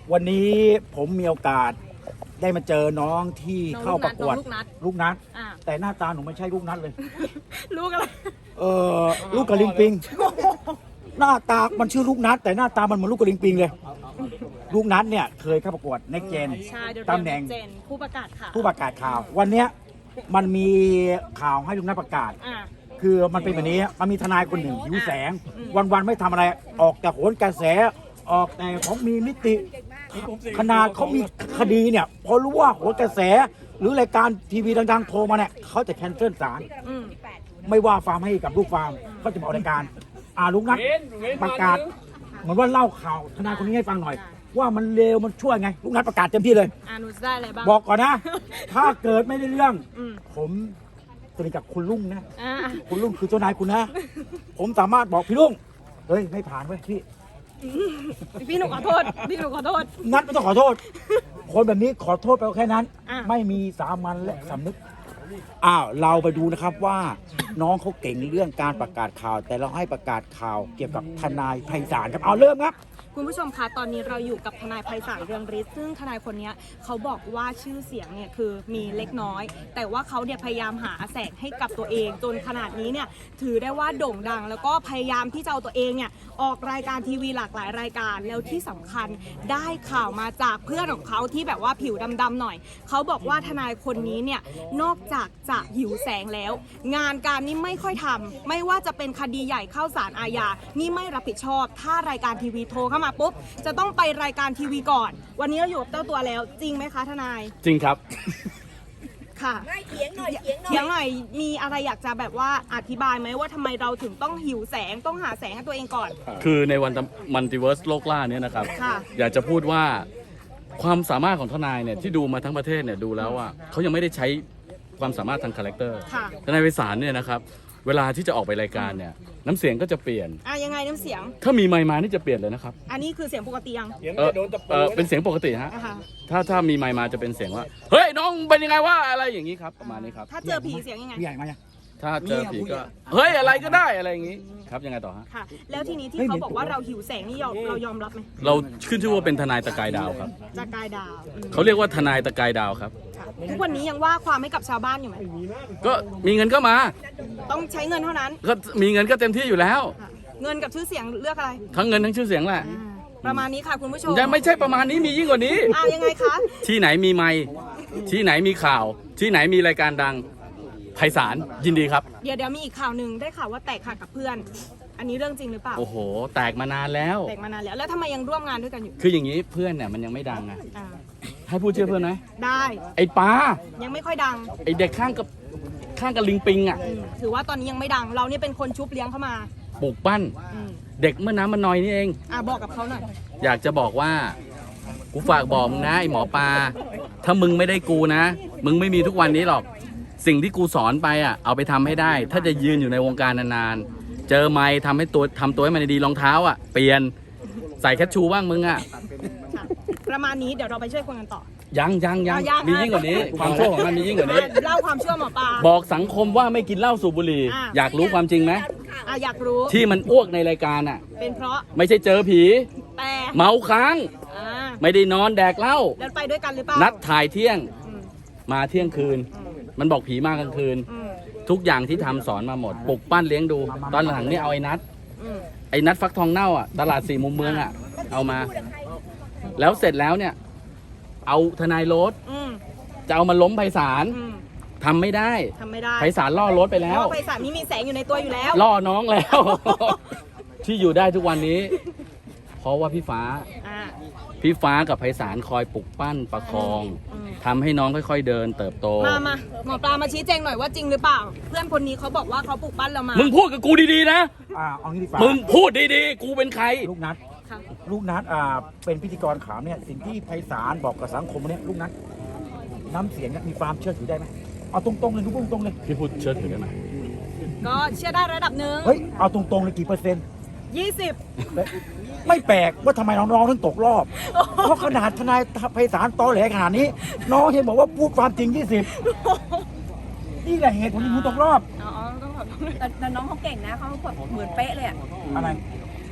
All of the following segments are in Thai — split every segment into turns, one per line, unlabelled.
วันนี้ผมมีโอกาสได้มาเจอน้องที่เข้าประกวดลูกนัดแต่หน้าตาหนูไม่ใช่ลูกนัดเลย
ลูกอะไร
ลูกกระลิงปิง หน้าตามันชื่อลูกนัดแต่หน้าตามันเหมือนลูกกระลิงปิงเลย ลูกนัดเนี่ยเคยเข้าประกวดในเจนตำแหน่ง
ผู้ประกาศข่าว
วันเนี้ยมันมีข่าวให้ลูกนัดประกาศคือมันเป็นแบบนี้มันมีทนายคนหนึ่งหิวแสงวันๆไม่ทำอะไรออกแต่โหนกระแสออกแต่ของมีมิติขนาดเขามีคดีเนี่ยพอรู้ว่าโหนกระแสหรือรายการทีวีดังๆโทรมาเนี่ยเขาจะแคนเซิลศาลไม่ว่าฟาร์มให้กับลูกฟาร์มเขาจะมาออกรายการลูกนัดประกาศเหมือนว่าเล่าข่าวทนายคนนี้ให้ฟังหน่อย ว่ามันเลวมันชั่วไงลูกนัดประกาศเต็มที่เลย
หนูได้อะไรบ้าง
บอกก่อนนะ ถ้าเกิดไม่ได้เรื่องผมสนิทกับคุณลุงนะคุณลุงคือเจ้านายคุณนะผมสามารถบอกพี่ลุงเฮ้ยไม่ผ่านเว้ย
พี่หนูขอโทษ
นัดไม่ต้องขอโทษคนแบบนี้ขอโทษไปแค่นั้นไม่มีสามัญและสำนึกเราไปดูนะครับว่าน้องเขาเก่งเรื่องการประกาศข่าวแต่เราให้ประกาศข่าวเกี่ยวกับทนายไพศาลครับเริ่มครับ
คุณผู้ชมคะตอนนี้เราอยู่กับทนายไพศาลเรืองฤทธิ์ซึ่งทนายคนนี้เขาบอกว่าชื่อเสียงเนี่ยคือมีเล็กน้อยแต่ว่าเขาเนี่ยพยายามหาแสงให้กับตัวเองจนขนาดนี้เนี่ยถือได้ว่าโด่งดังแล้วก็พยายามที่จะเอาตัวเองเนี่ยออกรายการทีวีหลากหลายรายการแล้วที่สำคัญได้ข่าวมาจากเพื่อนของเขาที่แบบว่าผิวดำๆหน่อยเขาบอกว่าทนายคนนี้เนี่ยนอกจากจะหิวแสงแล้วงานการนี่ไม่ค่อยทำไม่ว่าจะเป็นคดีใหญ่เข้าศาลอาญานี่ไม่รับผิดชอบถ้ารายการทีวีโทรเข้ามาปุ๊บจะต้องไปรายการทีวีก่อนวันนี้เราอยู่กับเจ้าตัวแล้วจริงไหมคะทนาย
จริงครับ
ค่ะเถียงหน่อยมีอะไรอยากจะแบบว่าอธิบายไหมว่าทำไมเราถึงต้องหิวแสงต้องหาแสงให้ตัวเองก่อน
คือในวันมัลติเวิร์สโลกล่าเนี่ยนะครับอยากจะพูดว่าความสามารถของทนายเนี่ยที่ดูมาทั้งประเทศเนี่ยดูแล้วว่าเขายังไม่ได้ใช้ความสามารถทางคาแรคเตอร์ทนายไพศาลเนี่ยนะครับเวลาที่จะออกไปรายการเนี่ยน้ำเสียงก็จะเปลี่ยน
ยังไงน้ำเสียง
ถ้ามีไมค์มานี่จะเปลี่ยนเลยนะครับ
อันนี้คือเสียงปกติยัง
เป็นเสียงปกติฮะถ้ามีไมค์มาจะเป็นเสียงว่าเฮ้ยน้องเป็นยังไงว่าอะไรอย่างนี้ครับประมาณนี้ครับ
ถ้าเจอผีเสียงยังไง
ใหญ่ไหม
ถ้าเจอผีก็เฮ้ยอะไรก็ได้อะไรอย่างนี้ครับยังไงต่อฮะ
ค่ะแล้วทีนี้ที่เขาบอกว่าเราหิวแสงนี่เรายอมรับไหม
เราขึ้นชื่อว่าเป็นทนายตะกายดาวครับ
ตะกายดาว
เขาเรียกว่าทนายตะกายดาวครับ
ทุกวันนี้ยังว่าความให้กับชาวบ้านอยู่ไหม
ก็มีเงินก็มา
ต้องใช้เงินเท่านั้น
ก็มีเงินก็เต็มที่อยู่แล้ว
เงินกับชื่อเสียงเลือกอะไร
ทั้งเงินทั้งชื่อเสียงแหละ
ประมาณนี้ค่ะคุณผู้ชม
ยังไม่ใช่ประมาณนี้มียิ่งกว่านี้
ยังไงคะ
ที่ไหนมีไมค์ที่ไหนมีข่าวที่ไหนมีรายการดังไพศาลยินดีครับ
เดี๋ยวมีอีกข่าวหนึ่งได้ข่าวว่าแตกหักกับเพื่อนอันนี้เรื่องจริงหรือเปล่า
โอ้โหแตกมานานแล้ว
แล้วทำไมยังร่วมงานด้วยกันอยู่
คืออย่างนี้เพื่อนเนี่ยมันยังไม่ดังอะให้พูดชื่อเพื่อนไหม
ได้
ไอ้ปา
ยังไม่ค่อยดัง
ไอ้เด็กข้างกับลิงปิงอ่ะ
ถือว่าตอนนี้ยังไม่ดังเราเนี่ยเป็นคนชุบเลี้ยงเข้ามา
ปลูกปั้นเด็กเมื่อน้ำมันน้อยนี่เอง
บอกกับเขาหน่อย
อยากจะบอกว่ากูฝากบอกมึงนะไอ้หมอปลาถ้ามึงไม่ได้กูนะมึงไม่มีทุกวันนี้หรอกสิ่งที่กูสอนไปเอาไปทำให้ได้ถ้าจะยืนอยู่ในวงการนานๆเจอไม้ทำตัวให้มันดีรองเท้าเปลี่ยนใส่แคชชูบ้างมึง
ประมาณนี้เดี๋ยวเราไปช่วยคนกันต่อ
ยังมียิ่งกว่านี้ความชั่วของมันมียิ่งกว่านี้
เล่าความชั่วหมอปลา
บอกสังคมว่าไม่กินเหล้าสูบบุหรี่อยากรู้ความจริงไหม
อยากรู้
ที่มันอ้วกในรายการ
เป็นเพราะ
ไม่ใช่เจอผี
แต่
เมาค้างไม่ได้นอนแดกเหล้า
แล้วไปด้วยกันหรือเปล่า
นัดถ่ายเที่ยงมาเที่ยงคืนมันบอกผีมากลางคืนทุกอย่างที่ทำสอนมาหมดปลุกปั้นเลี้ยงดูตอนหลังนี่เอาไอ้นัดฟักทองเน่าตลาด4 มุมเมืองเอามาแล้วเสร็จแล้วเนี่ยเอาทนายโรสจะเอามาล้มไพศาลทำไม่ได้ไพศาลล่อโรสไปแล้ว
ไพศาลนี่มีแสงอยู่ในตัวอยู่แล้ว
ล่อน้องแล้ว ที่อยู่ได้ทุกวันนี้เพราะว่าพี่ฟ้ากับไพศาลคอยปลุกปั้นประคองทำให้น้องค่อยๆเดินเติบโต
มาหมอปลามาชี้แจงหน่อยว่าจริงหรือเปล่าเพื่อนคนนี้เขาบอกว่าเขาปลุกปั้นเรามา
มึงพูดกับกูดีๆนะ
เอางี้ดีกว่า
มึงพูดดีๆกูเป็นใคร
ลูกนัดเป็นพิธีกรข่าวเนี่ยสิ่งที่ไพศาลบอกกับสังคมเนี่ยลูกนัดน้ำเสียงมีความเชื่อถือได้ไหมเอาตรงๆเลยทุกตรงๆเลย
พี่พูดเชื่อถือได้ไหม
ก็เชื่อได้ระดับหนึ่ง
เฮ้ยเอาตรงๆเลยกี่เปอร์เซ็นต์
20
ไม่แปลกว่าทำไมน้องๆถึงตกรอบเพราะขนาดทนายไพศาลตอแหลขนาดนี้น้องเห็นบอกว่าพูดความจริง20นี่แหละเหตุผลที่คุณตกรอบ
แต่น้องเขาเก่งนะเขาเหมือนเป๊ะเลย
อะไร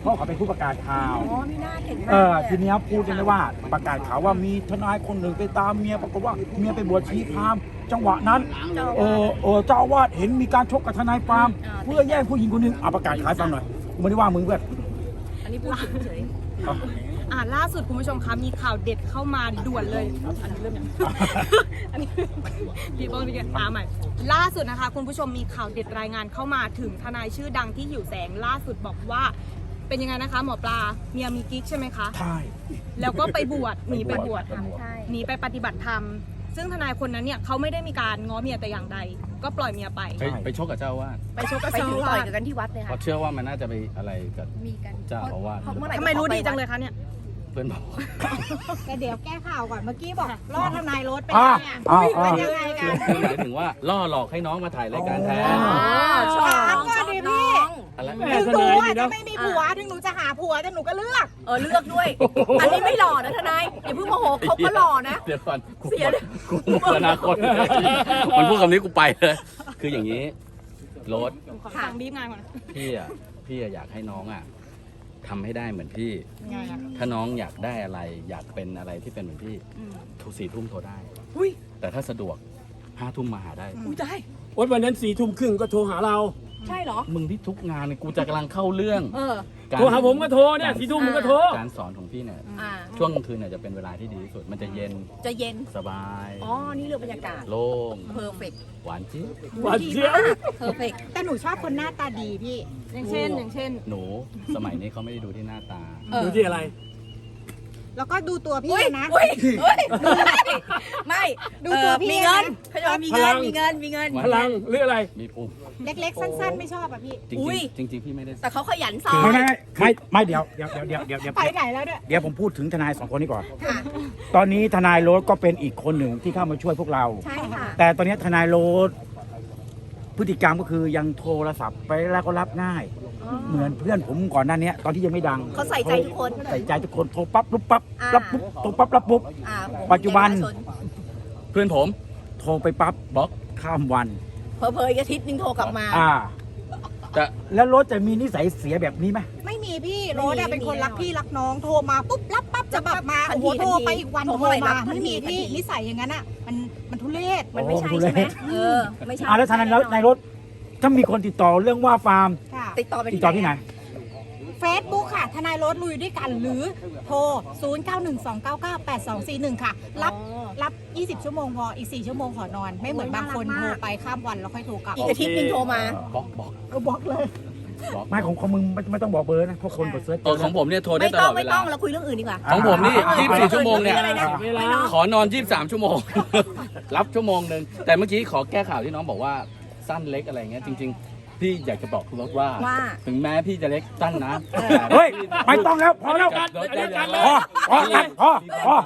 เพราะเขาเป็นผู้ประกาศข่าว
อ๋อมีหน้าเก่งมากเลย
ทีเนี้ยพูดกันได้ว่าประกาศข่าวว่ามีทนายคนหนึ่งไปตามเมียปรากฏว่าเมียไปบวชชีพราหมณ์จังหวะนั้นเจ้าอาวาสเห็นมีการชกกับทนายความเพื่อแย่งผู้หญิงคนหนึงประกาศขายฟังหน่อยกูไม่ได้ว่ามึงเพื่อน
อันนี้พูดเฉย
ล่าสุดคุณผู้ชมคะมีข่าวเด็ดเข้ามาด่วนเลย อันนี้เริ่มยัง อันนี้พี่ต้นพี่แกใหม่ ล่าสุดนะคะคุณผู้ชมมีข่าวเด็ดรายงานเข้ามาถึงทนายชื่อดังที่หิวแสงล่าสุดบอกว่า เป็นยังไงนะคะ หมอปลาเมียมีกิ๊กใช่ไหมคะ
ใช่
แล้วก็ไปบวชหนีไปบวช
ๆใช่
หนีไปปฏิบัติธรรม ซึ่งทนายคนนั้นเนี่ยเขาไม่ได้มีการง้อเมียแต่อย่างใด ก็ปล่อยเมียไป
ไปชกกับเจ้าอาวาส
ไปชกกับ
ไป
เจ้า
ถึง
อา
ต่อยว
าส
กันที่วัดเลย
เพ
ค่ะ
ราะเชื่อว่ามันน่าจะไปอะไรกับ
มีกัน
เจ้าอาวาส
เมื่อไหร่
ทำไมรู้ดีจังเลยคะเนี่ย
เพื่อนบอก
แต่เดี๋ยวแก้ข่าวก่อนเมื่อกี้บอกล่อทนายรถไป
อ่า
เนี่ย
อ่า
เป็น
อ่า
ยังไงกัน
คือหมายถึงว่าล่อหลอกให้น้องมาถ่ายรายการแทน
ชอบ
ถามก่อนดิพี่
อะไร
ถึงหนูอ่ะจะไม่มีผัวถึงหนูจะหาผัวแต่หนูก็เลือก
เลือกด้วย อันนี้ไม่หล่อนะทนายอย่าเพิ่งโมโหเขาก็หล่อนะ
เดี๋ยวก่อนกู
เสียเลย
กูหมดอนาคตมันพูดคำนี้กูไปเลย คืออย่างนี้โรส
ขอฟังบีบงานก่อนนะ
พี่อยากให้น้องทำให้ได้เหมือนพี่
ไงอะ
ถ้าน้องอยากได้อะไร อยากเป็นอะไรที่เป็นเหมือนพี่ 4 ทุ่มโทรได้
อุ้ย
แต่ถ้าสะดวก5 ทุ่มมาหาได้
อุ้ยได้
วันนั้น4 ทุ่มครึ่งก็โทรหาเรา
ใช่เหรอ
มึงที่ทุกงานเนี่ยกูจะกำลังเข้าเรื่อง
โทรหาผมก็โทรเนี่ย4 ทุ่มมึงก็โทร
การสอนของพี่เนี่ย
อ่า
ช่วงกลางคืนเนี่ยจะเป็นเวลาที่ดีที่สุด มันจะเย็น
จะเย็น
สบาย
อ๋อ นี่เรื่องบรรยากาศ
โล่ง
เพอร์เฟกต์
หวานจี๊ด
หวานเจี๊ยบ
เพอร์เฟกต์
แต่หนูชอบคนหน้าตาดีพี่
อย่างเช่น
หนูสมัยนี้เขาไม่ได้ดูที่หน้าตา
ดูที่อะไร
แล้วก็ดูตัวพี่
อุ้ย
นะ
อุ้ยไม่
ดูตัวพี่
มีเงิน
นะ
เขาจะว่ามี
พ
เงิ
ลั
น
ง
มีเงิน มีเงิน
พลังหรืออะไร
มีภูมิ
เล็กๆ สั้นๆ ไม่ชอบอ่ะพี่
จริง
อุ้ย
ๆจริงๆพี่ไม่ได้
แต่เขาขยันซ้อม
ไม่เดี๋ยว
ไปไหนแล้วเนี่ย
เดี๋ยวผมพูดถึงทนายสองคนนี้ก่อน
ค่ะ
ตอนนี้ทนายโรสก็เป็นอีกคนหนึ่งที่เข้ามาช่วยพวกเรา
ใช่ค่ะ
แต่ตอนนี้ทนายโรสพฤติกรรมก็คือยังโทรศัพท์ไปแล้วก็รับง่าย เหมือนเพื่อนผมก่อนหน้านี้ตอนที่ยังไม่ดัง
เขาใส่ใจทุกคน
ใส่ใจทุกคนโทรปั๊บรับปั๊บ
อ่า
รับปุ๊บโทรปั๊บรับปุ๊บ
อ่า
ปัจจุบัน
เพื่อนผม
โทรไปปั๊บบล็อกข้ามวัน
เพอๆอีกอาทิตย์นึงโทรกลับมา
แต่
แล้วรถจะมีนิสัยเสียแบบนี้ไหม
ไม่มีพี่
ไม่มี
โรสอะเป็นคนรักพี่รักน้องโทรมาปุ๊บรับปั๊บจะแบบมา
ทัน
โอ้
ที
โหโทรไปอีกวัน
โทร
โทร
เมื่อไหร่รั
มา
บทัน
ไม่
ที
มีพี่
ทันที
นิสัยอย่างนั้นอะมันทุเรศ
มันไม่ใช่
โอ้โห
ใช่ไหม
เละ
ไม่ใช่
แล้วทนายในรถถ้ามีคนติดต่อเรื่องว่าฟาร์ม
ค่ะ
ติดต่อไป
ติดต่อที่ไหน
เฟซบุ๊กค่ะ ทนายรถลุยด้วยกันหรือโทร 0912998241 ค่ะ รับ 20 ชั่วโมงพอ อีก 4 ชั่วโมงขอนอน ไม่เหมือนบางคนโทรไปข้ามวันแล้วค่อยโทรกลับ
อีกอาทิตย์นึงโทรมา
บล็อก
บล็อกเลย
ไม่ของมึงไม่ต้องบอกเบอร์นะเพราะคนกดเซิร์ชเจอ
ของผมเนี่ยโทรได้
ไม่
ต
ต้
ล
อ
อง ดเว
ไม่
ลา
ต้องเราคุยเรื่องอื่นดีกว่า
ของผมนี่24 ชั่วโมงเนี่ย
อะไรนะ
เวลา
ขอนอน 23 ชั่วโมง รับชั่วโมงหนึ่งแต่เมื่อกี้ขอแก้ข่าวที่น้องบอกว่าสั้นเล็กอะไรเงี้ยจริง ๆ พี่อยากจะบอกคุณรถว่า
ว่า
ถึงแม้พี่จะเล็กสั้นนะ
เฮ้ย ไม่ต้องแล้ว พอแล้ว
รถได้แล้ว
พอพอ